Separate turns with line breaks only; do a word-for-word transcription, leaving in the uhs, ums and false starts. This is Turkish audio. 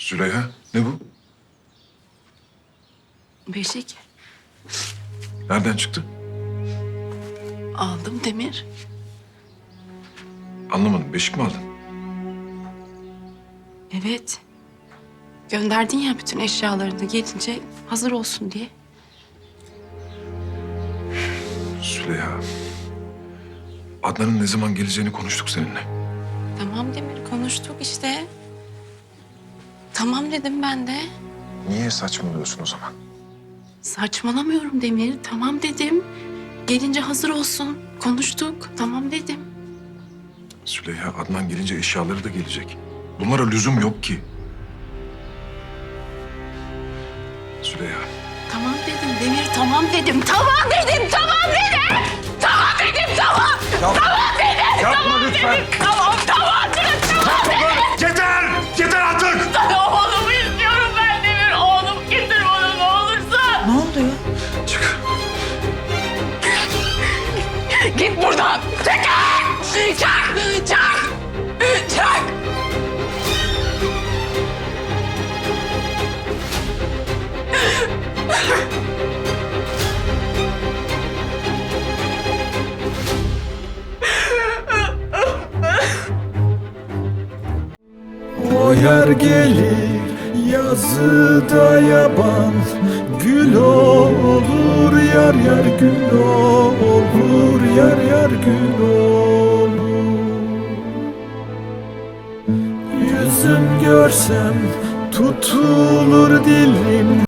Züleyha, ne bu?
Beşik.
Nereden çıktı?
Aldım Demir.
Anlamadım. Beşik mi aldın?
Evet. Gönderdin ya bütün eşyalarını gelince hazır olsun diye.
Züleyha. Adnan'ın ne zaman geleceğini konuştuk seninle.
Tamam Demir, konuştuk işte. Tamam dedim ben de.
Niye saçmalıyorsun o zaman?
Saçmalamıyorum Demir. Tamam dedim. Gelince hazır olsun. Konuştuk. Tamam dedim.
Züleyha, Adnan gelince eşyaları da gelecek. Bunlara lüzum yok ki. Züleyha.
Tamam dedim Demir. Tamam dedim. Tamam dedim. Tamam dedim. Tamam dedim. Tamam.
Yapma.
Tamam dedim.
Yapma
tamam
lütfen.
Dedim. Tamam tamam dedim. Tamam dedim.
Yeter! Yeter artık!
Oğlumu istiyorum ben Demir. Oğlum getir bana ne olursa.
Ne oluyor?
Çık.
Git buradan. Çekil. Çak. Çak. Çak.
O yer gelir yazıda yaban, gül olur yar yar gül olur yar yar gül olur. Yüzüm görsem tutulur dilim.